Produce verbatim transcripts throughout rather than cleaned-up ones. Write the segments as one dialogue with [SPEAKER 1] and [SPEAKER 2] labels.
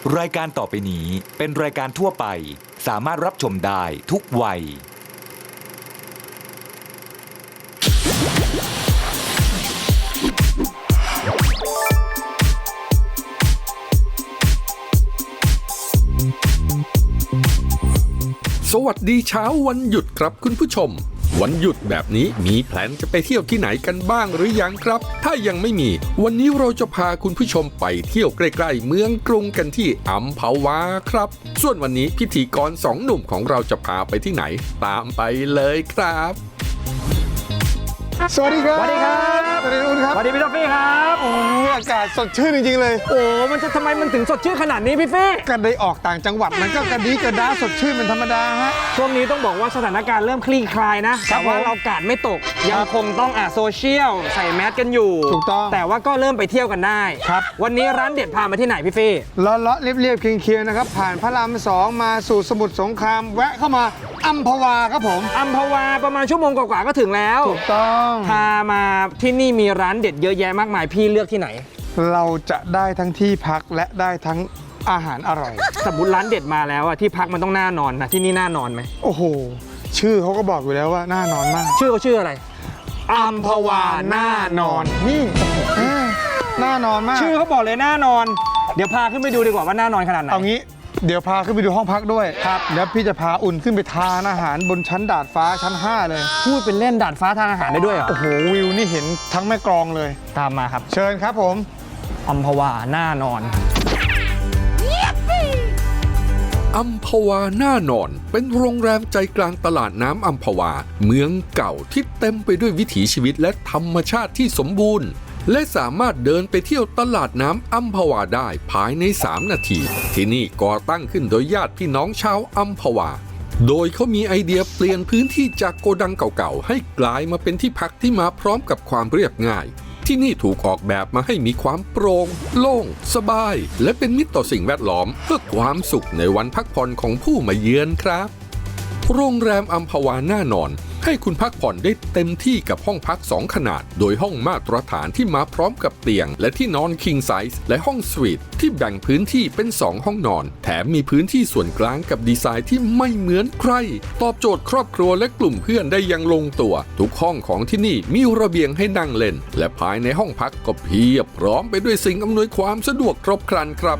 [SPEAKER 1] รายการต่อไปนี้เป็นรายการทั่วไปสามารถรับชมได้ทุกวัย
[SPEAKER 2] สวัสดีเช้าวันหยุดครับคุณผู้ชมวันหยุดแบบนี้มีแผนจะไปเที่ยวที่ไหนกันบ้างหรือยังครับถ้ายังไม่มีวันนี้เราจะพาคุณผู้ชมไปเที่ยวใกล้ๆเมืองกรุงกันที่อัมพวาครับส่วนวันนี้พิธีกรสองหนุ่มของเราจะพาไปที่ไหนตามไปเลยครับ
[SPEAKER 3] สวัสดีครับ
[SPEAKER 4] สวัสดีครับ
[SPEAKER 3] สวัสดีคุณครับ
[SPEAKER 4] สวัสดีพี่ท็อฟฟี่ครับ
[SPEAKER 3] โอ้ยอากาศสดชื่นจริงๆเลย
[SPEAKER 4] โอ้มันจะทำไมมันถึงสดชื่นขนาดนี้พี่ฟี่
[SPEAKER 3] กันได้ออกต่างจังหวัดมันก็กระดีกระดาสดชื่นเป็นธรรมดาฮะ
[SPEAKER 4] ช่วงนี้ต้องบอกว่าสถานการณ์เริ่มคลี่คลายนะ
[SPEAKER 3] ครั
[SPEAKER 4] แต่
[SPEAKER 3] บ
[SPEAKER 4] ว่า
[SPEAKER 3] ผม
[SPEAKER 4] เรากาดไม่ตกยังคงต้องอ่ะโซเชียลใส่แมสกันอยู่
[SPEAKER 3] ถูกต้อง
[SPEAKER 4] แต่ว่าก็เริ่มไปเที่ยวกันได้
[SPEAKER 3] ครับ
[SPEAKER 4] วันนี้ร้านเด็ดพามาที่ไหนพี่ฟี่
[SPEAKER 3] เลาะเลาะเรียบๆเคียงๆนะครับผ่านพระรามสองมาสู่สมุทรสงครามแวะเข้ามาอัมพวาครับผม
[SPEAKER 4] อัมพวาประมาณชั่วโมงกว่าๆก็ถึงแล้ว
[SPEAKER 3] ถูกต้อง
[SPEAKER 4] พามาที่นี่มีร้านเด็ดเยอะแยะมากมายพี่เลือกที่ไหน
[SPEAKER 3] เราจะได้ทั้งที่พักและได้ทั้งอาหารอร่อย
[SPEAKER 4] สมมติร้านเด็ดมาแล้วอะที่พักมันต้องน่านอนนะที่นี่น่านอนไหม
[SPEAKER 3] โอ้โหชื่อเขาก็บอกอยู่แล้วว่าน่านอนมาก
[SPEAKER 4] ชื่อเขาชื่ออะไร
[SPEAKER 3] อัมพวาน่านอนนี่เออน่านอนมาก
[SPEAKER 4] ชื่อเขาบอกเลยน่านอน เดี๋ยวพาขึ้นไปดูดีกว่าว่าน่านอนขนาดไหน
[SPEAKER 3] เอางี้เดี๋ยวพาขึ้นไปดูห้องพักด้วยครับแล้วพี่จะพาอุ่นขึ้นไปทานอาหารบนชั้นดาดฟ้าชั้นห้าเลย
[SPEAKER 4] พูดเป็นเล่นดาดฟ้าทานอาหารได้ด้วยเหรอ
[SPEAKER 3] โอ้โหวิวนี่เห็นทั้งแม่กลองเลย
[SPEAKER 4] ตามมาครับ
[SPEAKER 3] เชิญครับผม
[SPEAKER 4] อัมพวาน่านอน
[SPEAKER 2] อัมพวาน่านอนเป็นโรงแรมใจกลางตลาดน้ำอัมพวาเมืองเก่าที่เต็มไปด้วยวิถีชีวิตและธรรมชาติที่สมบูรณ์และสามารถเดินไปเที่ยวตลาดน้ำอัมพวาได้ภายในสามนาทีที่นี่ก่อตั้งขึ้นโดยญาติพี่น้องชาวอัมพวาโดยเขามีไอเดียเปลี่ยนพื้นที่จากโกดังเก่าๆให้กลายมาเป็นที่พักที่มาพร้อมกับความเรียบง่ายที่นี่ถูกออกแบบมาให้มีความโปร่งโล่งสบายและเป็นมิตรต่อสิ่งแวดล้อมเพื่อความสุขในวันพักผ่อนของผู้มาเยือนครับโรงแรมอัมพวาน่านอนให้คุณพักผ่อนได้เต็มที่กับห้องพักสองขนาดโดยห้องมาตรฐานที่มาพร้อมกับเตียงและที่นอน King Size และห้องสวีทที่แบ่งพื้นที่เป็นสองห้องนอนแถมมีพื้นที่ส่วนกลางกับดีไซน์ที่ไม่เหมือนใครตอบโจทย์ครอบครัวและกลุ่มเพื่อนได้อย่างลงตัวทุกห้องของที่นี่มีระเบียงให้นั่งเล่นและภายในห้องพักก็เพียบพร้อมไปด้วยสิ่งอำนวยความสะดวกครบครันครับ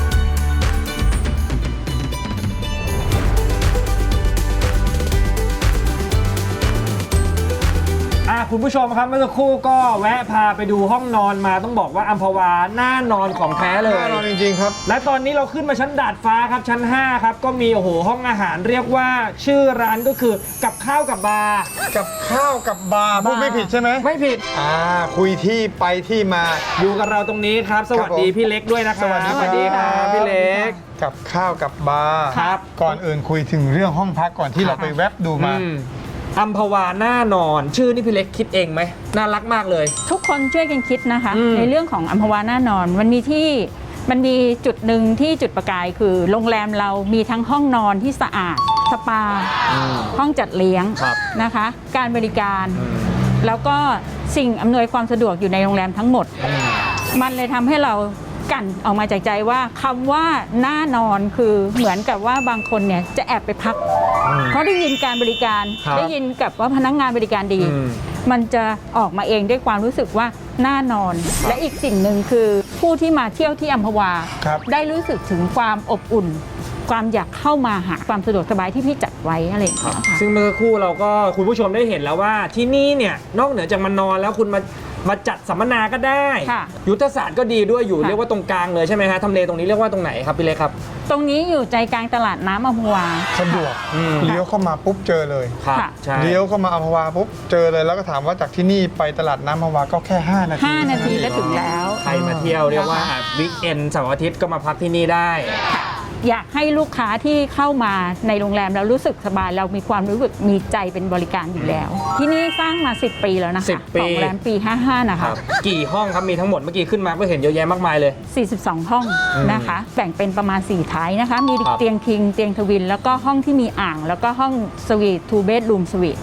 [SPEAKER 4] คุณผู้ชมครับเมื่อสักครู่ก็แวะพาไปดูห้องนอนมาต้องบอกว่าอัมพวาน่านอนของแท้เลย
[SPEAKER 3] น่านอนจริงๆครับ
[SPEAKER 4] และตอนนี้เราขึ้นมาชั้นดาดฟ้าครับชั้นห้าครับก็มีโอ้โหห้องอาหารเรียกว่าชื่อร้านก็คือกับข้าวกับบาร์
[SPEAKER 3] กับข้าวกับบาร์พูดไม่ผิดใช่ไหม
[SPEAKER 4] ไม่ผิด
[SPEAKER 3] อ่าคุยที่ไปที่มา
[SPEAKER 4] อยู่กับเราตรงนี้ครับสวัสดีพี่เล็กด้วยนะครับ
[SPEAKER 3] สวัสดีครับ
[SPEAKER 4] สวัสดีครับพี่เล็ก
[SPEAKER 3] กับข้าวกับบาร์
[SPEAKER 4] ครับ
[SPEAKER 3] ก่อนอื่นคุยถึงเรื่องห้องพักก่อนที่เราไปแวบดูมา
[SPEAKER 4] อืมอัมพวาน่านอนชื่อนี่พี่เล็กคิดเองไหมน่ารักมากเลย
[SPEAKER 5] ทุกคนช่วยกันคิดนะคะ
[SPEAKER 4] อืม
[SPEAKER 5] ในเรื่องของอัมพวาน่านอนมันมีที่มันมีจุดหนึ่งที่จุดประกายคือโรงแรมเรามีทั้งห้องนอนที่สะอาดสปา ห้องจัดเลี้ยง
[SPEAKER 4] ครับ
[SPEAKER 5] นะคะ การบริการ แล้วก็สิ่งอำนวยความสะดวกอยู่ในโรงแรมทั้งหมด มันเลยทำให้เรากันออกมาจากใจว่าคำว่าน่านอนคือเหมือนกับว่าบางคนเนี่ยจะแอบไปพัก เพราะได้ยินการบริการ
[SPEAKER 4] ครับ
[SPEAKER 5] ได้ยินกับว่าพนักงานบริการดี
[SPEAKER 4] อืม
[SPEAKER 5] มันจะออกมาเองด้วยความรู้สึกว่าน่านอน และอีกสิ่งหนึ่งคือผู้ที่มาเที่ยวที่อัมพวา
[SPEAKER 3] ครับ
[SPEAKER 5] ได้รู้สึกถึงความอบอุ่น ความอยากเข้ามาหาความสะดวกสบายที่พี่จัดไว้อะไรอย่างเงี้ยค่ะ
[SPEAKER 4] ซึ่งเมื่อสักครู่เราก็คุณผู้ชมได้เห็นแล้วว่าที่นี่เนี่ยนอกเหนือจากมานอนแล้วคุณมามาจัดสัมมนาก็ได้
[SPEAKER 5] ค่ะ
[SPEAKER 4] ยุทธศาสตร์ก็ดีด้วยอยู่
[SPEAKER 5] ค่ะ
[SPEAKER 4] เรียกว่าตรงกลางเลยใช่ไหมฮะทำเลตรงนี้เรียกว่าตรงไหนครับพี่เล็กครับ
[SPEAKER 5] ตรงนี้อยู่ใจกลางตลาดน้ำอัมพวา
[SPEAKER 3] สะดวก
[SPEAKER 4] อืม
[SPEAKER 3] เลี้ยวเข้ามาปุ๊บเจอเลย
[SPEAKER 4] ครับ
[SPEAKER 5] ค่ะ
[SPEAKER 4] ใช่
[SPEAKER 3] เลี้ยวเข้ามาอัมพวาปุ๊บเจอเลยแล้วก็ถามว่าจากที่นี่ไปตลาดน้ำอัมพวาก็แค่ห้านาที
[SPEAKER 5] ห้านาทีก็ถึงแล้ว
[SPEAKER 4] ใครมาเที่ยวเรียกว่าวิกเอนเสาร์อาทิตย์ก็มาพักที่นี่ได้
[SPEAKER 5] อยากให้ลูกค้าที่เข้ามาในโรงแรมแล้วรู้สึกสบายเรามีความรู้สึกมีใจเป็นบริการอยู่แล้ว ที่นี่สร้างมาสิบปีแล้วนะคะ
[SPEAKER 4] สิบปี
[SPEAKER 5] ของโรงแรมปีห้าสิบห้านะ
[SPEAKER 4] ค
[SPEAKER 5] คะ
[SPEAKER 4] รับกี่ห้องครับมีทั้งหมดเมื่อกี้ขึ้นมาก็เห็นเยอะแยะมากมายเลย
[SPEAKER 5] สี่สิบสอง ห้อง
[SPEAKER 4] อืม
[SPEAKER 5] นะคะ แบ่งเป็นประมาณสี่ท้ายนะคะ มี
[SPEAKER 4] ครับ
[SPEAKER 5] เตียงคิงเตียงทวิน แล้วก็ห้องที่มีอ่าง แล้วก็ห้องสวีททูเบดรูมสวีท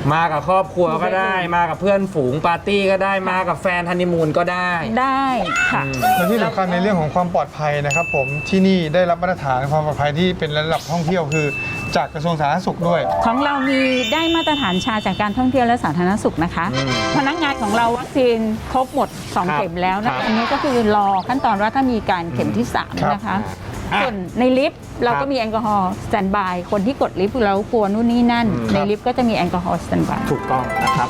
[SPEAKER 4] มากับครอบครัวก็ได้มากับเพื่อนฝูงปาร์ตี้ก็ได้มากับแฟนฮันนีมูนก็ได้
[SPEAKER 5] ได้ค่ะ
[SPEAKER 3] และที่สำคัญในเรื่องของความปลอดภัยนะครับผมที่นี่ได้รับมาตรฐานความปลอดภัยที่เป็นระดับท่องเที่ยวคือจากกระทรวงสาธารณสุขด้วย
[SPEAKER 5] ของเรามีได้มาตรฐานชาจากการท่องเที่ยวและสาธารณสุขนะคะ พนักงานของเราวัคซีนครบหมดสอง
[SPEAKER 4] ครับ
[SPEAKER 5] เข็มแล้วนะ
[SPEAKER 4] ครั
[SPEAKER 5] คะ
[SPEAKER 4] บ
[SPEAKER 5] อันนี้ก็คือรอขั้นตอนว่าถ้ามีการเข็มที่สาม
[SPEAKER 3] ครับ
[SPEAKER 5] นะคะ
[SPEAKER 4] อ่ะ
[SPEAKER 5] ส่วนในลิฟต์เรา
[SPEAKER 4] ครั
[SPEAKER 5] ก็
[SPEAKER 4] บ
[SPEAKER 5] มีแอลกอฮอล์สแตนบายคนที่กดลิฟต์แล้วกลัวนู่นนี่นั่น
[SPEAKER 4] อืม
[SPEAKER 5] ในลิฟต์ก็จะมีแอลกอฮอล์สแตนบาย
[SPEAKER 4] ถูกต้องนะครับ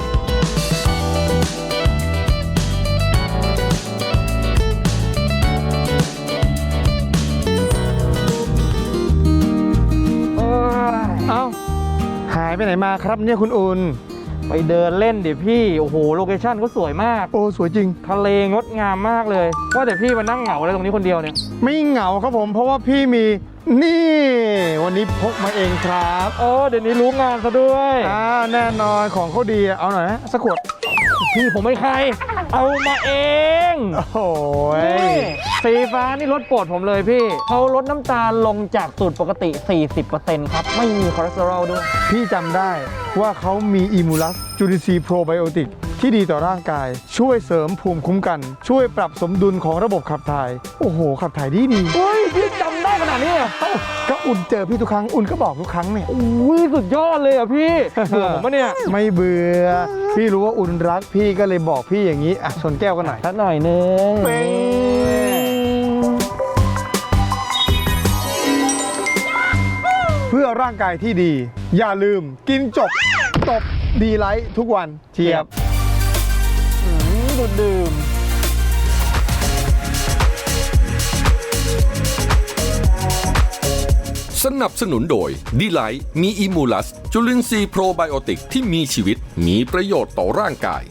[SPEAKER 3] เอ้าหายไปไหนมาครับเนี่ยคุณอุ่น
[SPEAKER 4] ไปเดินเล่นดิพี่ โอ้โห โลเคชั่นก็สวยมาก
[SPEAKER 3] โอ้สวยจริง
[SPEAKER 4] ทะเลงดงามมากเลย ว่าแต่พี่มานั่งเหงาอะไรตรงนี้คนเดียวเนี่ย
[SPEAKER 3] ไม่เหงาครับผมเพราะว่าพี่มีนี่ วันนี้พกมาเองครับ
[SPEAKER 4] โอ้เดี๋ยวนี้รู้งานซะด้วย
[SPEAKER 3] อ่าแน่นอนของเขาดีเอาหน่อยนะสักขวด
[SPEAKER 4] พี่ผมไม่ใคร เอามาเอง
[SPEAKER 3] โอ้โห
[SPEAKER 4] นี่สีฟ้านี่รสโปรดผมเลยพี่ เขาลดน้ำตาลลงจากสูตรปกติ สี่สิบเปอร์เซ็นต์ ครับ ไม่มีคอเลสเตอรอลด้วย
[SPEAKER 3] พี่จำได้ว่าเขามีอิมูลัสจุลินทรีย์โปรไบโอติกที่ดีต่อร่างกาย ช่วยเสริมภูมิคุ้มกัน ช่วยปรับสมดุลของระบบขับถ่าย โอ้โห ขับถ่ายดีดี
[SPEAKER 4] เฮ้ย พี่จำได้ขนาดนี้เหรอ
[SPEAKER 3] เอ้าก็อุ่นเจอพี่ทุกครั้งอุ่นก็บอกทุกครั้งเนี่ย
[SPEAKER 4] อุ้ยสุดยอดเลยอ่ะพี่เบื่อผมปะเนี่ย
[SPEAKER 3] ไม่เบื่อพี่รู้ว่าอุ่นรักพี่ก็เลยบอกพี่อย่างนี้อ่ะชนแก้วกันหน่อย
[SPEAKER 4] สักหน่อยนึง
[SPEAKER 3] เป้ง เพื่อร่างกายที่ดี อย่าลืมกินจบตบดีไลท์ทุกวันเทียบ
[SPEAKER 4] อืมดูดดื่ม
[SPEAKER 2] สนับสนุนโดยดีไลท์มีอิมูลัสจุลินทรีย์โปรไบโอติกที่มีชีวิตมีประโยชน์ต่อร่างกาย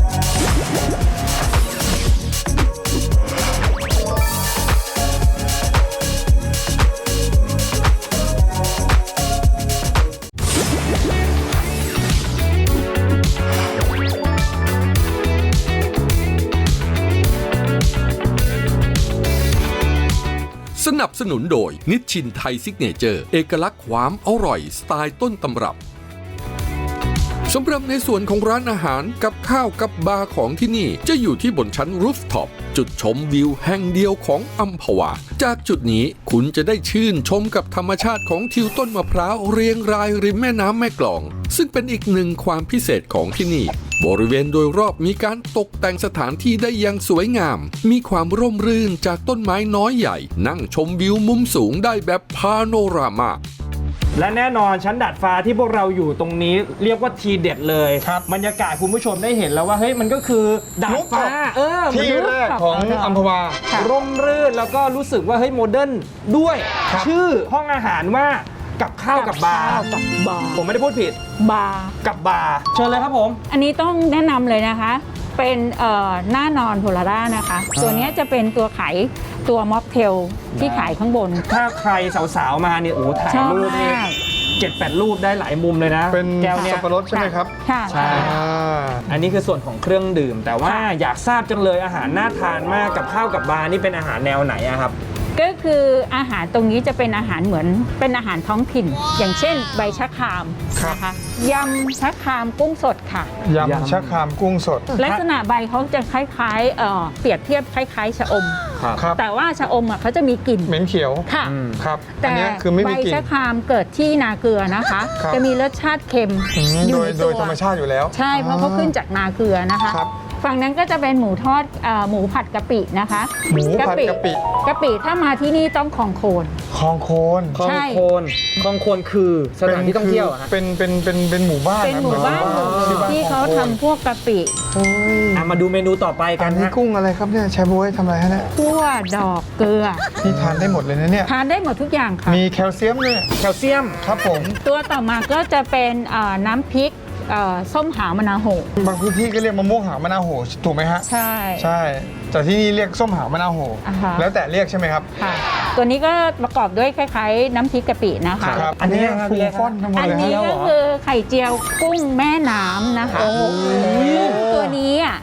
[SPEAKER 2] สนับสนุนโดยนิชชินไทยซิกเนเจอร์เอกลักษณ์ความอร่อยสไตล์ต้นตำรับสำหรับในส่วนของร้านอาหารกับข้าวกับบาร์ของที่นี่จะอยู่ที่บนชั้นรูฟท็อปจุดชมวิวแห่งเดียวของอัมพวาจากจุดนี้คุณจะได้ชื่นชมกับธรรมชาติของทิวต้นมะพร้าวเรียงรายริมแม่น้ำแม่กลองซึ่งเป็นอีกหนึ่งความพิเศษของที่นี่บริเวณโดยรอบมีการตกแต่งสถานที่ได้อย่างสวยงามมีความร่มรื่นจากต้นไม้น้อยใหญ่นั่งชมวิวมุมสูงได้แบบพาโนรามา
[SPEAKER 4] และแน่นอนชั้นดาดฟ้าที่พวกเราอยู่ตรงนี้เรียกว่าทีเด็ดเลย
[SPEAKER 3] ครับ
[SPEAKER 4] บรรยากาศคุณผู้ชมได้เห็นแล้วว่าเฮ้ยมันก็คือดาดฟ้า เออมัน
[SPEAKER 3] ที่แรกของอัมพวา
[SPEAKER 4] ร่มรื่นแล้วก็รู้สึกว่าเฮ้ยโมเดิร์นด้วย
[SPEAKER 3] ครับ
[SPEAKER 4] ชื่อห้องอาหารว่ากับข้าวกับบาร์
[SPEAKER 5] ข้าวกับบาร์
[SPEAKER 4] ผมไม่ได้พูดผิด
[SPEAKER 5] บาร์
[SPEAKER 4] กับบาร์เชิญเลยครับผม
[SPEAKER 5] อันนี้ต้องแนะนำเลยนะคะ เป็นเอ่อหน้านอนโพลาร่านะคะ ตัวเนี้ยจะเป็นตัวขายตัวม็อกเทลที่ขายข้างบน
[SPEAKER 4] ถ้าใครสาวๆมาเนี่ยโอ้ถ่าย
[SPEAKER 5] ชอบ
[SPEAKER 4] รูปนี่
[SPEAKER 5] มาก
[SPEAKER 4] เจ็ดแปดรูปได้หลายมุมเลยนะ
[SPEAKER 3] เป็น
[SPEAKER 4] แก้วเนี่ย
[SPEAKER 3] สับปะรดใช่ไหมครับ
[SPEAKER 5] ค่ะ
[SPEAKER 4] ใช่
[SPEAKER 3] อ่า
[SPEAKER 4] อันนี้คือส่วนของเครื่องดื่ม แต่ว่า
[SPEAKER 5] ค่ะ
[SPEAKER 4] อยากทราบจังเลยอาหารน่าทานมากกับข้าวกับบาร์นี่เป็นอาหารแนวไหนอะครับ
[SPEAKER 5] ก็คืออาหารตรงนี้จะเป็นอาหารเหมือนเป็นอาหารท้องถิ่น อย่างเช่น ใบชะครามนะคะยำชะครามกุ้งสดค่ะ
[SPEAKER 3] ยำชะครามกุ้งสด
[SPEAKER 5] ลักษณะใบเขาจะคล้ายๆเอ่อเปรียบเทียบคล้ายๆชะอม
[SPEAKER 3] ครับ
[SPEAKER 5] แต่ว่าชะอมอ่ะเขาจะมีกลิ่น
[SPEAKER 3] เหม็นเขียว
[SPEAKER 5] ค่ะ
[SPEAKER 4] อืม
[SPEAKER 3] ครับ อัน
[SPEAKER 5] แต่
[SPEAKER 3] เนี้ยคือไม่
[SPEAKER 5] ใบ
[SPEAKER 3] มีกลิ่น
[SPEAKER 5] ชะครามเกิดที่นาเกลือนะคะ
[SPEAKER 3] ครับ
[SPEAKER 5] จะมีรสชาติเค็ม
[SPEAKER 3] อืม
[SPEAKER 5] อ
[SPEAKER 3] โด
[SPEAKER 5] ยู่
[SPEAKER 3] ย
[SPEAKER 5] ใน
[SPEAKER 3] โด
[SPEAKER 5] ตั
[SPEAKER 3] ยว ธรรมชาติอยู่แล้ว
[SPEAKER 5] ใช่เพราะเขาขึ้นจากนาเกลือนะคะ
[SPEAKER 3] ครับ
[SPEAKER 5] ฝั่งนั้นก็จะเป็นหมูทอดเอ่อหมูผัดกะปินะคะ
[SPEAKER 3] หมูผัดกะปิ
[SPEAKER 5] กะปิถ้ามาที่นี่ต้องของโคน
[SPEAKER 3] คลองโคน
[SPEAKER 4] คลอง
[SPEAKER 5] ใช่
[SPEAKER 4] โคนคลองโคนคือสถานที่ท่องเที่ยวอะฮะ
[SPEAKER 3] เป็นเป็นเป็นเป็นหมู่บ้าน
[SPEAKER 5] เป็นหมู่บ้านหมู่หนึ่งที่เขาทำพวกกะปิ
[SPEAKER 3] โอ้ย
[SPEAKER 4] อ่ะมาดูเมนูต่อไปกั
[SPEAKER 3] อั
[SPEAKER 4] น
[SPEAKER 3] นนี้
[SPEAKER 4] ฮะ
[SPEAKER 3] กุ้งอะไรครับเนี่ยแชร์บวยทำอะไรฮะเนี่ย
[SPEAKER 5] คั่วดอกเกลือ
[SPEAKER 3] นี่ทานได้หมดเลยนะเนี่ย
[SPEAKER 5] ทานได้หมดทุกอย่างค่ะ
[SPEAKER 3] มีแคลเซียมเนี่ย
[SPEAKER 4] แคลเซียม
[SPEAKER 3] ครับผม
[SPEAKER 5] ตัวต่อมาก็จะเป็นเอ่อน้ำพริกเอ่อส้มหาวมะนาวโห
[SPEAKER 3] บางพื้นที่ก็เรียกมะม่วงหาวมะนาวโหถูกไหมฮะ
[SPEAKER 5] ใช่
[SPEAKER 3] ใช่ แต่ที่นี่เรียกส้มหาวมะนาวโห
[SPEAKER 5] อ่าฮะ
[SPEAKER 3] แล้วแต่เรียกใช่ไหมครับ
[SPEAKER 5] ค่ะ ตัวนี้ก็ประกอบด้วยคล้ายๆ น้ำพริกกะปินะคะ
[SPEAKER 3] ครับ
[SPEAKER 4] อันนี้
[SPEAKER 3] เย
[SPEAKER 4] ครับ
[SPEAKER 3] ฟูฟ่อนทั้งหมด
[SPEAKER 5] อัน
[SPEAKER 3] เลย
[SPEAKER 5] นี้
[SPEAKER 3] ฮะ
[SPEAKER 5] ก็คือไข่เจียวกุ้งแม่น้ำนะคะซึ่งตัวนี้อ่ะ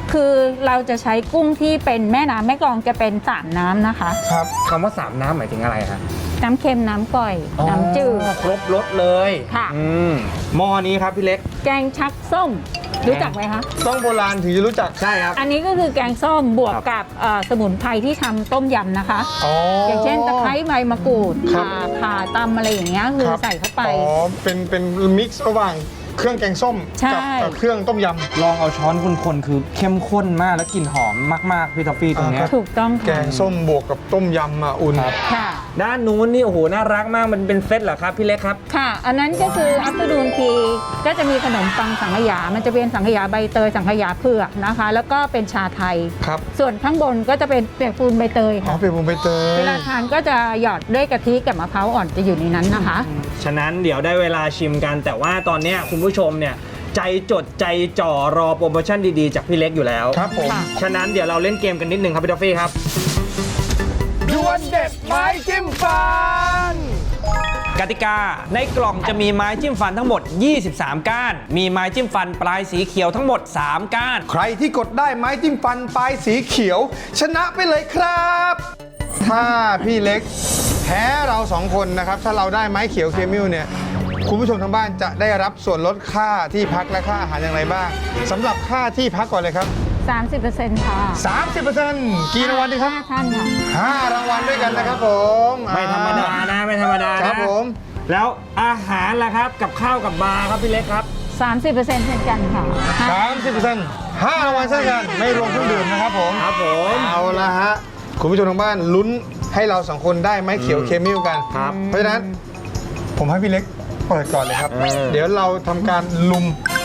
[SPEAKER 5] คือเราจะใช้กุ้งที่เป็นแม่น้ำแม่กลองจะเป็นสามน้ำนะคะ
[SPEAKER 3] ครับ
[SPEAKER 4] คำว่าสามน้ำหมายถึงอะไรฮะ
[SPEAKER 5] น้ำเค็มน้ำก่อย น้ำจืด
[SPEAKER 4] อ๋อครบรสเลย
[SPEAKER 5] ค่ะ
[SPEAKER 4] อืมหม้อนี้ครับพี่เล็ก
[SPEAKER 5] แกงชักส้ม รู้จักไหมคะ
[SPEAKER 3] ต้องโบราณถึงจะรู้จัก
[SPEAKER 4] ใช่ครับ
[SPEAKER 5] อันนี้ก็คือแกงส้มบวก
[SPEAKER 4] ครับ
[SPEAKER 5] กับเอ่อสมุนไพรที่ทำต้มยำนะคะ
[SPEAKER 3] อ๋อ
[SPEAKER 5] อ
[SPEAKER 3] อย่าง
[SPEAKER 5] เช่นตะไคร้ใบมะกรูด
[SPEAKER 3] ครับ
[SPEAKER 5] ข่าข่าตำอะไรอย่างเงี้ยคือ
[SPEAKER 3] ครับ
[SPEAKER 5] ใส่เข้าไป
[SPEAKER 3] อ๋อ เป็น เป็นมิกซ์ระหว่างเครื่องแกงส้ม
[SPEAKER 5] ใช่
[SPEAKER 3] กัเอ่อเครื่องต้มย
[SPEAKER 4] ลองเอาช้อนคนๆคือเข้มข้นมากแล้วกลิ่นหอมมากๆพี่ทอฟฟี่ตรงเนี้ย
[SPEAKER 5] ถูกต้อง
[SPEAKER 3] ำ แก
[SPEAKER 5] ค่ะ
[SPEAKER 3] งส้มบวกกับต้มยำอ่ะอุ่น
[SPEAKER 4] ครับ
[SPEAKER 5] ค่ะ
[SPEAKER 4] ด้านนู้นนี่โอ้โหน่ารักมากมันเป็นเซตเหรอครับพี่เล็กครับ
[SPEAKER 5] ค่ะ อันนั้นก็คืออัปเตอร์นูนทีก็จะมีขนมปังสังขยา มันจะเป็นสังขยาใบเตยสังขยาเผือกนะคะ แล้วก็เป็นชาไทย
[SPEAKER 3] ครับ
[SPEAKER 5] ส่วนข้างบนก็จะเป็นเปียกปูนใบเตย
[SPEAKER 3] อ๋อ
[SPEAKER 5] ค่ะ
[SPEAKER 3] เป็นบุญใบเตย
[SPEAKER 5] เวลาทานก็จะหยอดด้วยกะทิกับมะพร้าวอ่อนจะอยู่ในนั้นนะคะ
[SPEAKER 4] ฉะนั้นเดี๋ยวได้เวลาชิมกัน แต่ว่าตอนเนี้ยคุณผู้ชมเนี่ยใจจดใจจ่อรอโปรโมชั่นดีๆจากพี่เล็กอยู่แล้ว
[SPEAKER 3] ครับผม
[SPEAKER 5] ค่ะ
[SPEAKER 4] ฉะนั้นเดี๋ยวเราเล่นเกมกันนิดนึงครับพี่ทอฟฟี่ครับ
[SPEAKER 3] ดวลเด็ดไม้จิ้มฟัน
[SPEAKER 4] กติกาในกล่องจะมีไม้จิ้มฟันทั้งหมด ยี่สิบสาม ก้าน มีไม้จิ้มฟันปลายสีเขียวทั้งหมด สาม ก้าน
[SPEAKER 3] ใครที่กดได้ไม้จิ้มฟันปลายสีเขียว ชนะไปเลยครับ ถ้าพี่เล็กแพ้เราสองคนนะครับ ถ้าเราได้ไม้เขียวเคมิลเนี่ย คุณผู้ชมทางบ้านจะได้รับส่วนลดค่าที่พักและค่าอาหารอย่างไรบ้างสำหรับค่าที่พักก่อนเลยครับ
[SPEAKER 5] สามสิบเปอร์เซ็นต์ ค่ะ
[SPEAKER 3] สามสิบเปอร์เซ็นต์ กี่รางวัลดีครับ
[SPEAKER 5] ห้าท่านค่ะ
[SPEAKER 3] ห้ารางวัลด้วยกันนะครับผม
[SPEAKER 4] ไม่ธรรมดานะไม่ธรรมดานะครับ
[SPEAKER 3] ผม
[SPEAKER 4] แล้วอาหารล่ะครับกับข้าวกับบาร์ครับพี่เล็กครับ
[SPEAKER 5] สามสิบเปอร์เซ็นต์ เช่นกันค่ะ
[SPEAKER 3] สามสิบเปอร์เซ็นต์ ห้ารางวัลเช่นกันไม่รวมเครื่องดื่มนะครับผม
[SPEAKER 4] ครับผม
[SPEAKER 3] เอาละฮะ คุณผู้ชมทางบ้านลุ้นให้เราสองคนได้ไม้เขียวเคมิลกัน
[SPEAKER 4] ครับ
[SPEAKER 3] เพราะฉะนั้นผมให้พี่เล็กเปิดก่อนเลยครับ
[SPEAKER 4] เออ
[SPEAKER 3] เดี๋ยวเราทำการลุม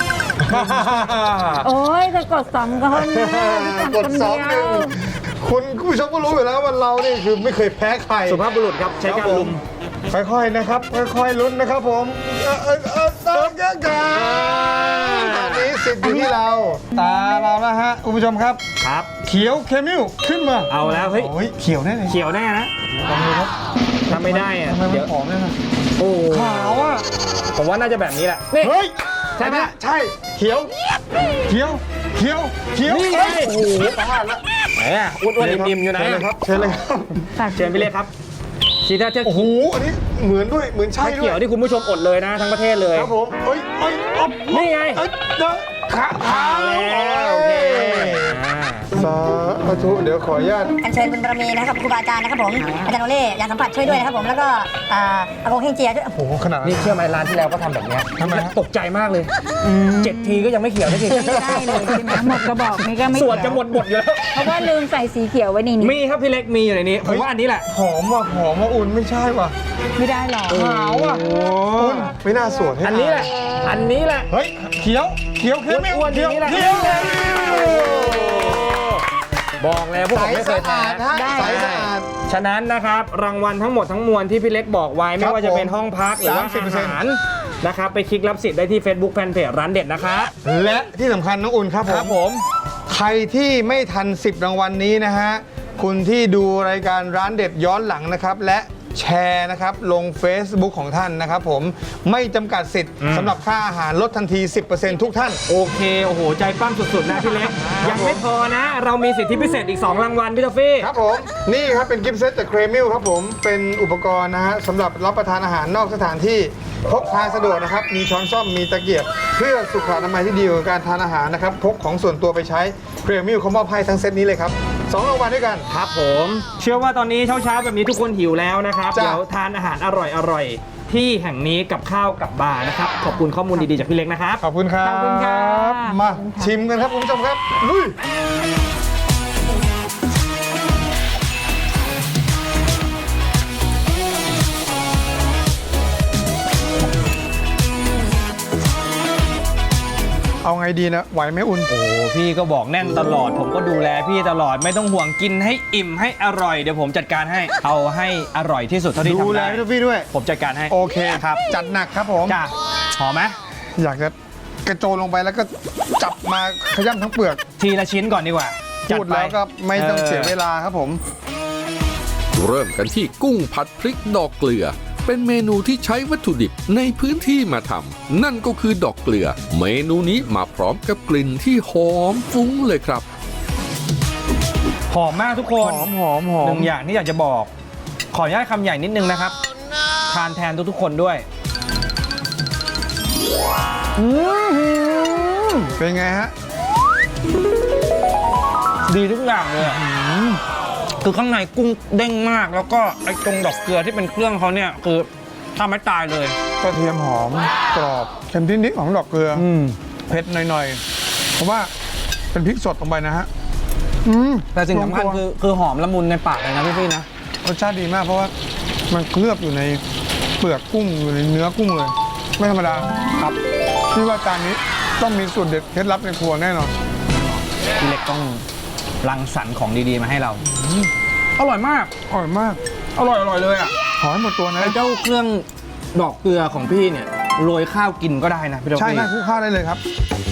[SPEAKER 5] โอ้ยจะกดสองคนนะ
[SPEAKER 3] กดสองหนึ่งคุณผู้ชมก็รู้อยู่แล้วว่าเรานี่คือไม่เคยแพ้ใคร
[SPEAKER 4] สุภาพบุรุษครับใช้การลุม
[SPEAKER 3] ค่อยๆนะครับ ค่อยๆลุ้นนะครับผมเออเออเออเออเออกันตอนนี้สิทธิ์อยู่ที่เรา ตาเราแล้วฮะคุณผู้ชมครับ
[SPEAKER 4] ครับ
[SPEAKER 3] เขียวเคมิลขึ้นมา
[SPEAKER 4] เอาแล้วเฮ้ย
[SPEAKER 3] โอ้ยเขียวแน่เลย
[SPEAKER 4] เขียวแน่นะ
[SPEAKER 3] ลองดูครับ
[SPEAKER 4] ถ้าไม่ได้อะ
[SPEAKER 3] ทำไมมั
[SPEAKER 4] เดี๋
[SPEAKER 3] น
[SPEAKER 4] ยว
[SPEAKER 3] หอมเลยนะ
[SPEAKER 4] โอ้
[SPEAKER 3] ขาวอ่ะ
[SPEAKER 4] ผมว่าน่าจะแบบนี้แหละนี่
[SPEAKER 3] เฮ้ย
[SPEAKER 4] ใช่ไหม
[SPEAKER 3] ใช่ เขียว เขียว เขียว เขียว
[SPEAKER 4] นี่ไง
[SPEAKER 3] เอ้ยโอ้โหประมาณละ
[SPEAKER 4] ไหนอ่ะอ้วนๆอิ่มๆอยู่นะ
[SPEAKER 3] เชิญเลยครับเชิญเลยครับ
[SPEAKER 4] เชิญพี่เล็กครับชีถ้าจะ
[SPEAKER 3] โอ้โห อันนี้เหมือนด้วย เหมือนใช่
[SPEAKER 4] ชา
[SPEAKER 3] ด้ว
[SPEAKER 4] เขียวย ที่คุณผู้ชมอดเลยนะทั้งประเทศเลย
[SPEAKER 3] ครับผมเอ้ยเอ้ยอ๊อบ
[SPEAKER 4] นี่ไง
[SPEAKER 3] เอ้ยเด้อขาขา
[SPEAKER 4] แล้วโอเคอ่า
[SPEAKER 3] สาธุเดี๋ยวขออนุญาต
[SPEAKER 6] อัญเชิญบุญบารมีนะครับครูบาอาจารย์นะครับผมอาจารย์โอเล่ยานสัมผัสช่วยด้วยนะครับผมแล้วก็อ่าอากงเฮงเจียด้วย
[SPEAKER 3] โอ้โห ขนาดนั้น
[SPEAKER 4] นี่เชื่อไหมร้านที่แล้วก็ทำแบบเนี้ย
[SPEAKER 3] ทำไมฮะ
[SPEAKER 4] ตกใจมากเลยเจ็ดทีก็ยังไม่เขียวสักที
[SPEAKER 5] ไม่ได้เลยใช่ไหมหมดกระบอกนี่ก็ไม่
[SPEAKER 4] ส่วนจะหมดบทอยู่แล้ว
[SPEAKER 5] เพราะว่าลืมใส่สีเขียวไว้ในนี้
[SPEAKER 4] มีครับพี่เล็กมีอยู่ในนี้ผมว่าอันนี้แหละ
[SPEAKER 3] หอมว่ะ หอมว่ะอุ่นไม่ใช่ว่ะ
[SPEAKER 5] ไม่ได้หรอก
[SPEAKER 3] ขาวอ่ะอุ่นไม่น่าสวดให้
[SPEAKER 4] อันนี้แหละ อันนี้แหละ
[SPEAKER 3] เฮ้ย เขียว เขียวเขียวไม่
[SPEAKER 4] อ้วนๆ
[SPEAKER 3] เขียว
[SPEAKER 4] อย่างนี้แหละ
[SPEAKER 3] เขียว
[SPEAKER 4] บอกแล้วพวก
[SPEAKER 3] ใส
[SPEAKER 4] ผมไม่เค
[SPEAKER 3] สะ
[SPEAKER 4] ยแพ้
[SPEAKER 3] อาดฮะใสสะอาด
[SPEAKER 4] ฉะนั้นนะครับรางวัลทั้งหมดทั้งมวลที่พี่เล็กบอกไว้ไม่ว่าจะเป็นห้องพักหรือว่า
[SPEAKER 3] สามสิบเปอร์เซ็น
[SPEAKER 4] อา
[SPEAKER 3] ต์
[SPEAKER 4] หารนะครับไปคลิกรับสิทธิ์ได้ที่ Facebook Fanpage ร้านเด็ดนะครับ
[SPEAKER 3] และที่สำคัญน้องอุ่นครับผม
[SPEAKER 4] ครับผม
[SPEAKER 3] ใครที่ไม่ทันสิบรางวัลนี้นะฮะ คุณที่ดูรายการร้านเด็ดย้อนหลังนะครับ และแชร์นะครับลง Facebook ของท่านนะครับผมไม่จำกัดสิทธิ์
[SPEAKER 4] อืม
[SPEAKER 3] สำหรับค่าอาหารลดทันที สิบเปอร์เซ็นต์ ทุกท่าน
[SPEAKER 4] โอเค โอ้โห ใจปั้มสุดๆนะพี่เล็ก ยังไม่พอนะ เรามีสิทธิพิเศษอีก สอง รางวัลพี่ทอฟฟี่
[SPEAKER 3] ครับผม นี่ครับเป็นกิฟต์เซตจากเครมิลครับผมเป็นอุปกรณ์นะฮะสำหรับรับประทานอาหารนอกสถานที่พกพาสะดวกนะครับ มีช้อนส้อมมีตะเกียบ เพื่อสุขอนามัยที่ดีกับการทานอาหารนะครับพกของส่วนตัวไปใช้เครมิลเขามอบให้ทั้งเซตนี้เลยครับสองรางวัลด้วยกัน
[SPEAKER 4] ครับผม เชื่อว่าตอนนี้เช้าๆแบบนี้ทุกคนหิวแล้วนะครับ
[SPEAKER 3] จ้ะ
[SPEAKER 4] เดี๋ยวทานอาหารอร่อยๆ ที่แห่งนี้กับข้าวกับบาร์นะครับ ขอบคุณข้อมูลดีๆจากพี่เล็กนะครับ
[SPEAKER 3] ขอบคุณครับ
[SPEAKER 5] ขอบคุณค่ะ
[SPEAKER 3] มา
[SPEAKER 5] ขอบคุณค่ะ
[SPEAKER 3] ชิมกันครับคุณผู้ชมครับลุย เอาไงดีนะ ไหวไหมอุ่น
[SPEAKER 4] โอ้พี่ก็บอกแน่นตลอด ผมก็ดูแลพี่ตลอดไม่ต้องห่วงกินให้อิ่มให้อร่อยเดี๋ยวผมจัดการให้ เอาให้อร่อยที่สุดเท่าที่
[SPEAKER 3] ดู
[SPEAKER 4] ทำ
[SPEAKER 3] แล
[SPEAKER 4] ได้
[SPEAKER 3] พี่ท็อฟฟี่ด้วย
[SPEAKER 4] ผมจัดการให้
[SPEAKER 3] โอเค
[SPEAKER 4] ครับ
[SPEAKER 3] จัดหนักครับผม
[SPEAKER 4] จ้าหอมไหม
[SPEAKER 3] อยากจะกระโจนลงไปแล้วก็จับมาขย้ำทั้งเปลือก
[SPEAKER 4] ทีละชิ้นก่อนดีกว่าจั
[SPEAKER 3] พูดแล้วก็ไม่ต้องเสียเวลาครับผม
[SPEAKER 2] เริ่มกันที่กุ้งผัดพริกดอกเกลือ เป็นเมนูที่ใช้วัตถุดิบในพื้นที่มาทำนั่นก็คือดอกเกลือ เมนูนี้มาพร้อมกับกลิ่นที่หอมฟุ้งเลยครับ
[SPEAKER 4] หอมมากทุกคน
[SPEAKER 3] หอมหอมหอ
[SPEAKER 4] ห
[SPEAKER 3] ม
[SPEAKER 4] นึ่งอย่างที่อยากจะบอก ขออนุญาตคำใหญ่นิดนึงนะครับ ทานแทนทุกๆคนด้วยอืม
[SPEAKER 3] เป็นไงฮะ
[SPEAKER 4] ดีทุกอย่างเลยอะคือข้างในกุ้งเด้งมาก แล้วก็ไอ้ตรงดอกเกลือที่เป็นเครื่องเขาเนี่ยคือทำให้ตายเลย
[SPEAKER 3] กระเทียมหอมกรอบเค็มนิดๆของดอกเกลือ
[SPEAKER 4] อืม
[SPEAKER 3] เผ็ดหน่อยๆเพราะว่าเป็นพริกสดลงไปนะฮะอืม
[SPEAKER 4] แต่สิ่งสำคัญคือคือหอมละมุนในปากเลยนะพี่พี่ๆนะ
[SPEAKER 3] รสชาติดีมากเพราะว่ามันเคลือบอยู่ในเปลือกกุ้งอยู่ในเนื้อกุ้งเลย ไม่ธรรมดาครับพี่ว่าจานนี้ต้องมีสูตรเด็ดเคล็ดลับในครัวแน่นอน
[SPEAKER 4] พี่เล็กต้องรังสรรค์ของดีๆมาให้เราอร่อยมาก
[SPEAKER 3] อร่อยมาก
[SPEAKER 4] อร่อยอร่อยเลยอ่ะ
[SPEAKER 3] ขอให้หมดตัวนะ
[SPEAKER 4] ไอ้เจ้าเครื่องดอกเกลือของพี่เนี่ยโรยข้าวกินก็ได้นะพี่ดอก
[SPEAKER 3] ใช่
[SPEAKER 4] พี่
[SPEAKER 3] ใช่คลุกข้าวได้เลยครับ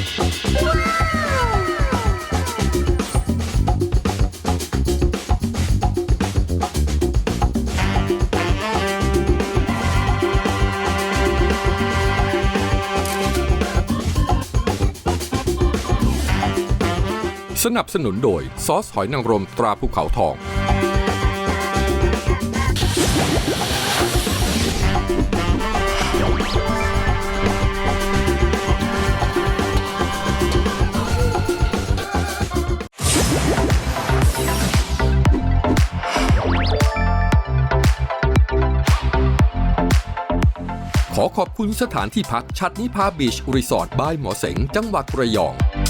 [SPEAKER 2] สนับสนุนโดยซอสหอยนางรมตราภูเขาทอง ขอขอบคุณสถานที่พักชัดนิพาบีชรีสอร์ทบายหมอเสงจังหวัดระยอง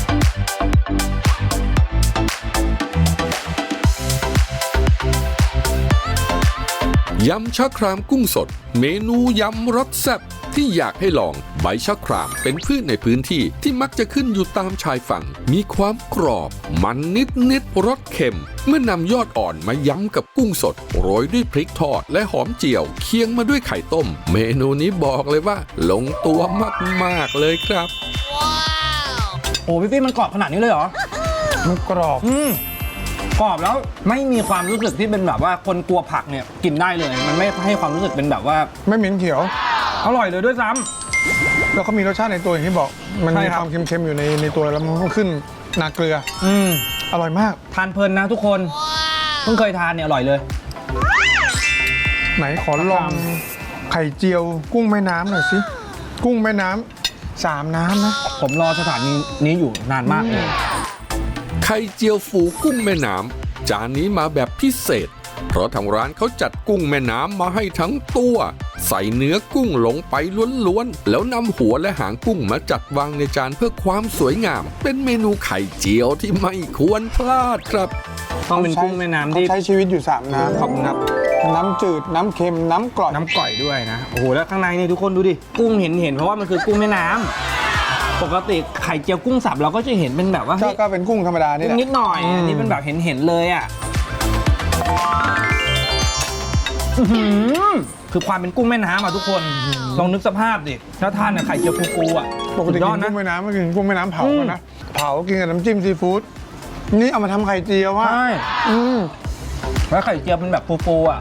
[SPEAKER 2] ยำชะครามกุ้งสด เมนูยำรสแซ่บที่อยากให้ลองใบชะครามเป็นพืชในพื้นที่ที่มักจะขึ้นอยู่ตามชายฝั่ง มีความกรอบ มันนิดนิดรสเค็ม เมื่อนำยอดอ่อนมายำกับกุ้งสด โรยด้วยพริกทอดและหอมเจียว เคียงมาด้วยไข่ต้ม เมนูนี้บอกเลยว่า ลงตัวมากๆเลยครับ
[SPEAKER 4] โอ้พี่พี่มันกรอบขนาดนี้เลยเหรอ
[SPEAKER 3] มันกรอบ
[SPEAKER 4] อืมกรอบแล้วไม่มีความรู้สึกที่เป็นแบบว่าคนกลัวผักเนี่ยกินได้เลย มันไม่ให้ความรู้สึกเป็นแบบว่า
[SPEAKER 3] ไม่เหม็นเขียว
[SPEAKER 4] อร่อยเลยด้วยซ้ำ
[SPEAKER 3] แล้วก็มีรสชาติในตัวอย่างที่บอก มัน
[SPEAKER 4] ใช่
[SPEAKER 3] มี
[SPEAKER 4] ครั
[SPEAKER 3] ค
[SPEAKER 4] บ
[SPEAKER 3] วามเค็มๆอยู่ในในตัวแล้วมันก็ขึ้นนาเกลือ
[SPEAKER 4] อืม
[SPEAKER 3] อร่อยมาก
[SPEAKER 4] ทานเพลินนะทุกคนเพิ่งเคยทานเนี่ยอร่อยเลย
[SPEAKER 3] ไหนขอลองไข่เจียวกุ้งแม่น้ำหน่อยสิ กุ้งแม่น้ำสามน้ำนะ
[SPEAKER 4] ผมรอสถานีนี้อยู่นานมากเลย
[SPEAKER 2] ไข่เจียวฟูกุ้งแม่น้ำจานนี้มาแบบพิเศษ เพราะทางร้านเขาจัดกุ้งแม่น้ำมาให้ทั้งตัว ใส่เนื้อกุ้งลงไปล้วนๆแล้วนำหัวและหางกุ้งมาจัดวางในจานเพื่อความสวยงาม เป็นเมนูไข่เจียวที่ไม่ควรพลาดครับ
[SPEAKER 4] ต้องเป็นกุ้งแม่น้ำที่
[SPEAKER 3] เขาใช้ชีวิตอยู่สามน้ำ
[SPEAKER 4] ขอบคุณครับ
[SPEAKER 3] น้ำจืด น้ำเค็ม น้ำกร่อย
[SPEAKER 4] น้ำก่อยด้วยนะโอ้โหแล้วข้างในนี่ทุกคนดูดิกุ้งเห็นเห็นเพราะว่ามันคือกุ้งแม่น้ำปกติไข่เจียวกุ้งสับเราก็จะเห็นเป็นแบบว่า
[SPEAKER 3] ก็
[SPEAKER 4] เฮ้ย
[SPEAKER 3] ก็เป็นกุ้งธรรมดานี่แห
[SPEAKER 4] กุ้
[SPEAKER 3] ละ
[SPEAKER 4] งนิดหน่อย
[SPEAKER 3] อืม
[SPEAKER 4] อันนี้เป็นแบบเห็นเห็นเลยอ่ะอื้อหือคือความเป็นกุ้งแม่น้ำอ่ะทุกคนลองนึกสภาพดิแล้วทานเนี่ยไข่เจียวฟูๆอ่ะ
[SPEAKER 3] ปกติ
[SPEAKER 4] สุดย
[SPEAKER 3] กิ
[SPEAKER 4] อด
[SPEAKER 3] น
[SPEAKER 4] นะ
[SPEAKER 3] กุ้งแม่น้ำก็กินกุ้งแม่น้ำเผากันนะ เผากินกับน้ำจิ้มซีฟู้ด นี่เอามาทำไข่เจียวว่ะ
[SPEAKER 4] ใช่
[SPEAKER 3] อืม
[SPEAKER 4] แล้วไข่เจียวเป็นแบบฟูๆอ่ะ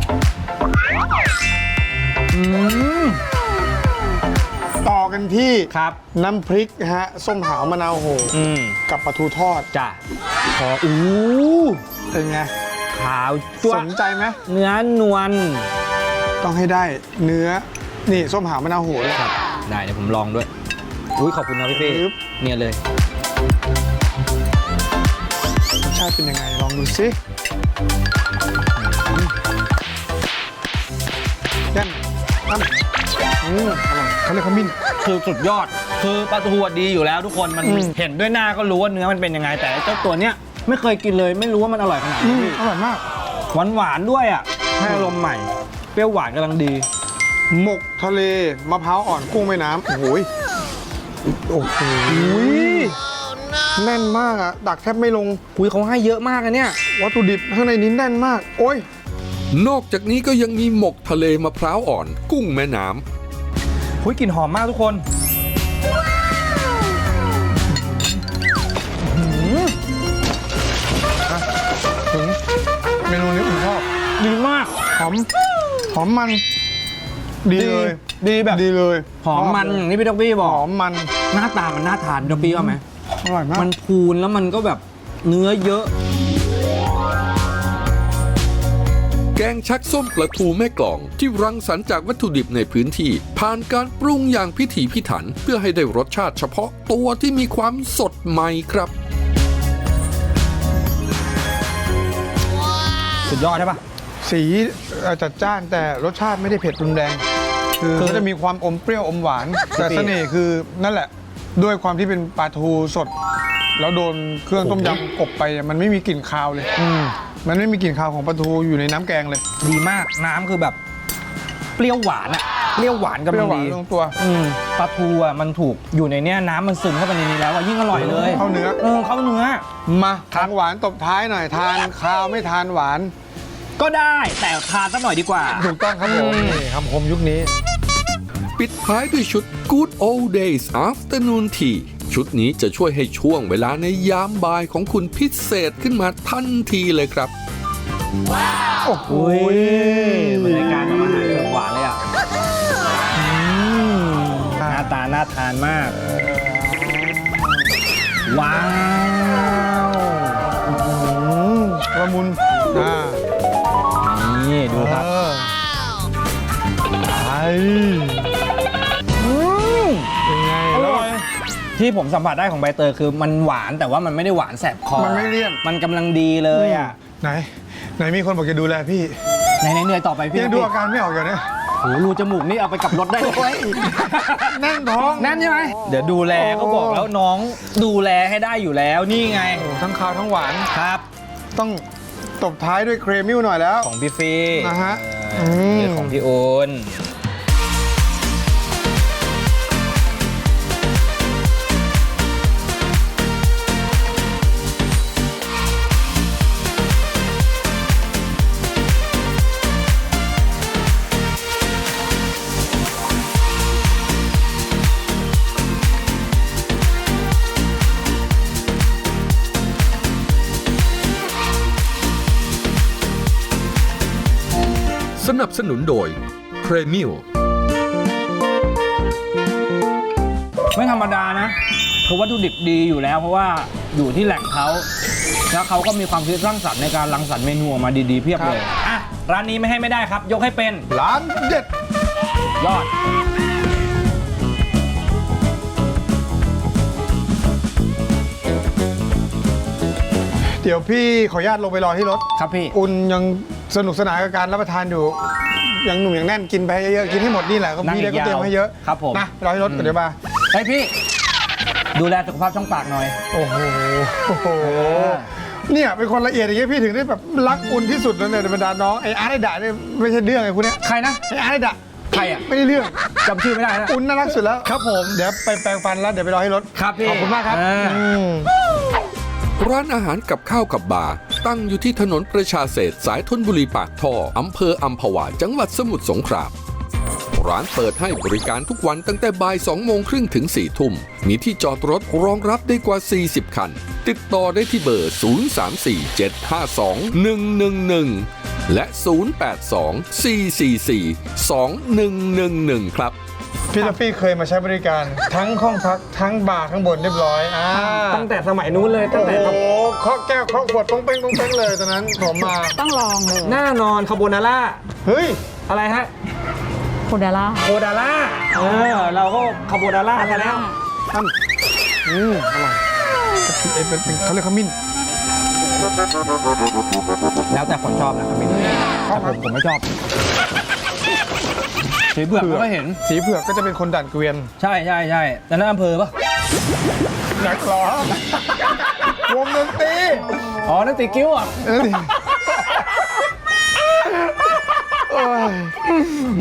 [SPEAKER 4] อืม
[SPEAKER 3] ต่อกันที่
[SPEAKER 4] ครับ
[SPEAKER 3] น้ำพริกนะฮะ ส้มหาวมะนาวโห
[SPEAKER 4] อืม
[SPEAKER 3] กับปลาทูทอด
[SPEAKER 4] จ้ะขออู้
[SPEAKER 3] เป็นไง
[SPEAKER 4] ขาวจั๊ว
[SPEAKER 3] สนใจไหม
[SPEAKER 4] เนื้อนวล
[SPEAKER 3] ต้องให้ได้เนื้อ นี่ส้มหาวมะนาวโหเลย
[SPEAKER 4] ครับได้เดี๋ยวผมลองด้วยอุ้ยขอบคุณนะพี่เป้
[SPEAKER 3] ปึ๊บ
[SPEAKER 4] เนี่ยเลย
[SPEAKER 3] รสชาติเป็นยังไง ลองดูสิยันตั้มอืมอร่อยเขาเรียกขมิ้น
[SPEAKER 4] คือสุดยอด คือปลาทูอะดีอยู่แล้วทุกคนมัน
[SPEAKER 3] อืม
[SPEAKER 4] เห็นด้วยหน้าก็รู้ว่าเนื้อมันเป็นยังไง แต่เจ้าตัวเนี้ยไม่เคยกินเลยไม่รู้ว่ามันอร่อยขนาด
[SPEAKER 3] อื
[SPEAKER 4] นี้
[SPEAKER 3] มอร่อยมาก
[SPEAKER 4] หวานหวานๆด้วยอ่ะให้อารมณ์ใหม่ เปรี้ยวหวานกำลังดี
[SPEAKER 3] หมกทะเลมะพร้าวอ่อนกุ้งแม่น้ำโอ้โหยโอ้โหแน่นมากอะดักแทบไม่ลง
[SPEAKER 4] คุยเขาให้เยอะมากอะเนี่ย
[SPEAKER 3] วัตถุดิบข้างในนี้แน่นมาก โอ้ย
[SPEAKER 2] นอกจากนี้ก็ยังมีหมกทะเลมะพร้าวอ่อน กุ้งแม่น้ำ
[SPEAKER 4] คุยกลิ่นหอมมากทุกคน
[SPEAKER 3] ถึงเมนูนี้ผมชอบ
[SPEAKER 4] ดีมาก
[SPEAKER 3] หอม หอมมัน ดีเลย
[SPEAKER 4] ดีแบบ
[SPEAKER 3] ดีเลย
[SPEAKER 4] หอมมันอย่างที่พี่ดอกบี้บ
[SPEAKER 3] ห
[SPEAKER 4] อก
[SPEAKER 3] อมมัน
[SPEAKER 4] หน้าตามันน่าทานดอกบี้ว่าไหม
[SPEAKER 3] อร่อยมาก
[SPEAKER 4] มันพูนแล้วมันก็แบบเนื้อเยอะ
[SPEAKER 2] แกงชักส้มปลาทูแม่กลองที่รังสรรค์จากวัตถุดิบในพื้นที่ผ่านการปรุงอย่างพิถีพิถันเพื่อให้ได้รสชาติเฉพาะตัวที่มีความสดใหม่ครับ
[SPEAKER 4] สุดยอดใช่ปะ
[SPEAKER 3] สีเอ่อจัดจ้านแต่รสชาติไม่ได้เผ็ดรุนแรง คือเขาจะมีความอมเปรี้ยวอมหวาน แต่เสน่ห์คือนั่นแหละ ด้วยความที่เป็นปลาทูสด แล้วโดนเครื่องต้มยำกบไปมันไม่มีกลิ่นคาวเลยมันไม่มีกลิ่นคาวของปลาทูอยู่ในน้ำแกงเลย
[SPEAKER 4] ดีมากน้ำคือแบบเปรี้ยวหวานอะเปรี้ยวหวานกำ
[SPEAKER 3] เปรี้
[SPEAKER 4] ลั
[SPEAKER 3] ยว
[SPEAKER 4] ง
[SPEAKER 3] หวาน
[SPEAKER 4] ดี
[SPEAKER 3] ลงตัว
[SPEAKER 4] อืมปลาทูอะมันถูกอยู่ในเนี้ยน้ำมันซึมเข้าไปในนี้แล้วอะยิ่งอร่อยเลย
[SPEAKER 3] เข้าเนื้อ
[SPEAKER 4] เออเข้าเนื้อ
[SPEAKER 3] มาทางหวานตบท้ายหน่อยทานคาวไม่ทานหวาน
[SPEAKER 4] ก็ได้แต่ทานสักหน่อยดีกว่า
[SPEAKER 3] ถูกต้องครับผมนี่คำคมยุคนี้
[SPEAKER 2] ปิดท้ายด้วยชุด Good Old Days Afternoon Tea ชุดนี้จะช่วยให้ช่วงเวลาในยามบ่ายของคุณพิเศษขึ้นมาทันทีเลยครับ
[SPEAKER 3] โอ้โห
[SPEAKER 4] อุ้ยบรรยากาศของอาหารเชิงหวานเลยอ่ะหน้าตาน่าทานมาก ว้าว
[SPEAKER 3] ละมุนอ่า
[SPEAKER 4] นี่ดูครับ
[SPEAKER 3] เออไอ้เป็นไง
[SPEAKER 4] อ
[SPEAKER 3] แล้ว
[SPEAKER 4] ร่อยที่ผมสัมผัสได้ของใบเตยคือมันหวานแต่ว่ามันไม่ได้หวานแสบคอ
[SPEAKER 3] มันไม่เลี่ยน
[SPEAKER 4] มันกำลังดีเลยอ่ะ
[SPEAKER 3] ไหน ไหนมีคนบอกจะดูแลพี่
[SPEAKER 4] ไหนๆเหนื่อยต่อไปพี่
[SPEAKER 3] ยังดูอาการไม่ออกอยู่เนี่ย
[SPEAKER 4] โอ้โหรูจมูกนี่เอาไปกับรถได้เลย
[SPEAKER 3] แน่นท้อง
[SPEAKER 4] แน่นใช่ไหมเดี๋ยวดูแลก็บอกแล้วน้องดูแลให้ได้อยู่แล้วนี่ไง
[SPEAKER 3] โอ้ทั้งคาวทั้งหวาน
[SPEAKER 4] ครับ
[SPEAKER 3] ต้องตบท้ายด้วยเครมิลหน่อยแล้ว
[SPEAKER 4] ของพี่ฟี
[SPEAKER 3] นะฮะ
[SPEAKER 4] เออ
[SPEAKER 3] ม
[SPEAKER 4] นี่ของพี่โอน
[SPEAKER 2] สนับสนุนโดย p r e m i l
[SPEAKER 4] ไม่ธรรมดานะคือวัตถุดิบดีอยู่แล้วเพราะว่าอยู่ที่แหล่งเขาแล้วเขาก็มีความคิดสร้างสรรค์ในการรังสรรค์เมนูออกมาดีๆเพียบเลยอ่ะร้านนี้ไม่ให้ไม่ได้ครับ ยกให้เป็น
[SPEAKER 3] ร้านเด็ด
[SPEAKER 4] ยอด
[SPEAKER 3] เดี๋ยวพี่ขออนุญาตลงไปรอที่รถ
[SPEAKER 4] ครับพี่
[SPEAKER 3] อุ่นยังสนุกสนานกับการรับประทานอยู่ ยังหนุ่มยังแน่นกินไปเยอะๆกินให้หมดนี่แหละก็
[SPEAKER 4] นั่ง
[SPEAKER 3] พี่ได้
[SPEAKER 4] อี
[SPEAKER 3] ก็
[SPEAKER 4] กยาว
[SPEAKER 3] เตรียมให้เยอะ
[SPEAKER 4] ครับผม
[SPEAKER 3] นะรอที่รถก่อนเดี๋ยวมา
[SPEAKER 4] เฮ้ยพี่ ดูแลสุขภาพช่องปากหน่อย
[SPEAKER 3] โอ้โหโอ้โหเนี่ยเป็นคนละเอียดอย่างเงี้ยพี่ถึงได้แบบรักอุ่นที่สุดแล้วเนี่ยในบรรดาน้องไอ้อาร์ตไอ้ดะเนี่ยไม่ใช่เรื่องไอ้คุณเนี่ย
[SPEAKER 4] ใครนะ
[SPEAKER 3] ไอ้อาร์ตไอ้ดะ
[SPEAKER 4] ใครอ่ะ
[SPEAKER 3] ไม่ได้เรื่อง
[SPEAKER 4] จำชื่อไม่ได้นะ
[SPEAKER 3] อุ่นน่ารักสุดแล้ว
[SPEAKER 4] ครับผม
[SPEAKER 3] เดี๋ยวไปแปรงฟันแล้วเดี๋ยวไปรอให้รถ
[SPEAKER 4] ครับพี่
[SPEAKER 3] ขอบคุณมากครับ
[SPEAKER 4] อ่า
[SPEAKER 3] อืม
[SPEAKER 2] ร้านอาหารกับข้าวกับบาร์ตั้งอยู่ที่ถนนประชาเศรษฐ์สายธนบุรีปากท่ออำเภออัมพวาจังหวัดสมุทรสงครามร้านเปิดให้บริการทุกวันตั้งแต่บ่ายสองโมงครึ่งถึงสี่ทุ่มมีที่จอดรถรองรับได้กว่าสี่สิบคัน ติดต่อได้ที่เบอร์ ศูนย์ สาม สี่ เจ็ด ห้า สอง หนึ่ง หนึ่ง หนึ่ง และ ศูนย์ แปด สอง สี่ สี่ สี่ สอง หนึ่ง หนึ่ง หนึ่ง ครับ
[SPEAKER 3] พี่ลัฟฟี่เคยมาใช้บริการ ทั้งห้องพักทั้งบาร์ข้างบนเรียบร้อยอ่า
[SPEAKER 4] ตั้งแต่สมัยนู้นเลยตั้ง
[SPEAKER 3] โอ้
[SPEAKER 4] แต่
[SPEAKER 3] โหเคาะแก้วเคาะขวดต้องเป้งต้องเป้งเลยตอนนั้นผมมา
[SPEAKER 5] ต้องลองเลย
[SPEAKER 4] หน้านอนคาโบนาร่า
[SPEAKER 3] เฮ้ย
[SPEAKER 4] อะไรฮะ
[SPEAKER 5] โคเดล่า
[SPEAKER 4] โคดาร่าเออเราก็คาโบนาร่ากันแล้ว
[SPEAKER 3] ท่านอืมอร่อยเอ้ยเป็นเป็นเขาเรียกขมิ้น
[SPEAKER 4] แล้วแต่คนชอบนะครับพี่แต่ผมผมไม่ชอบสีเผือกไม่ค่อยเห็น
[SPEAKER 3] สีเผือกก็จะเป็นคนดันเกวียน
[SPEAKER 4] ใช่ใช่ใช่แต่นั่นอำเภอปะ
[SPEAKER 3] นักร้องวงดนตรี
[SPEAKER 4] อ๋อ นั่นตีกิ้วอ่ะ
[SPEAKER 3] เออดิโอ้ย